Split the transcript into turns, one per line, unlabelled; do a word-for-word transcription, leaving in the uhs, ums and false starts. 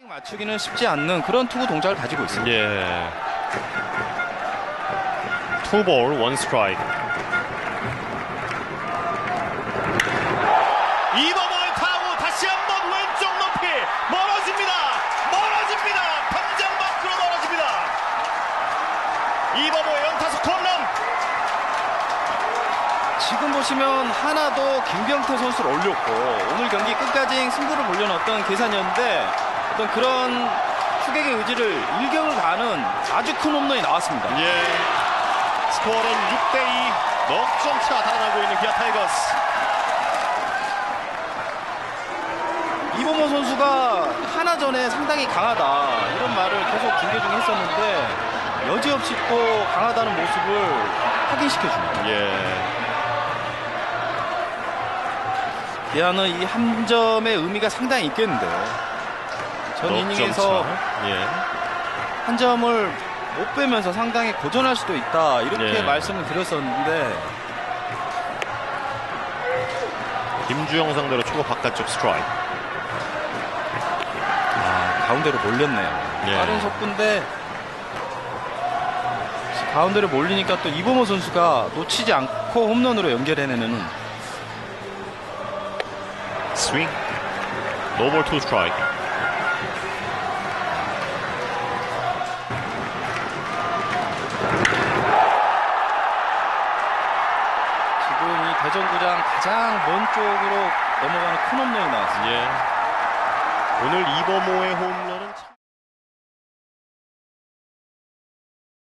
맞추기는 쉽지 않는 그런 투구 동작을 가지고 있습니다.
예. 투볼 원 스트라이크. 이범호의 타구 다시 한번 왼쪽 높이 멀어집니다. 멀어집니다. 담장 밖으로 멀어집니다. 이범호의 연타석 홈런.
지금 보시면 하나도 김병태 선수를 올렸고 오늘 경기 끝까지 승부를 몰려넣었던 계산이었는데 어떤 그런 투객의 의지를 일격을 가하는 아주 큰 홈런이 나왔습니다.
예. 스코어는 육 대 이. 넉 점 차 달아나고 있는 기아 타이거스.
이범호 선수가 하나 전에 상당히 강하다 이런 말을 계속 김계중이 했었는데 여지없이 또 강하다는 모습을 확인시켜줍니다.
예.
기아는 이 한 점의 의미가 상당히 있겠는데요. 전 이닝에서
예.
한 점을 못 빼면서 상당히 고전할 수도 있다 이렇게
예.
말씀을 드렸었는데
김주영 상대로 초구 바깥쪽 스트라이크.
아, 가운데로 몰렸네요.
예.
빠른 속구인데 가운데로 몰리니까 또 이범호 선수가 놓치지 않고 홈런으로 연결해내는
스윙. 노볼 투 스트라이크.
지금 이 대전구장 가장 먼 쪽으로 넘어가는 큰 홈런이 나왔습니다.
예. 오늘 이범호의 홈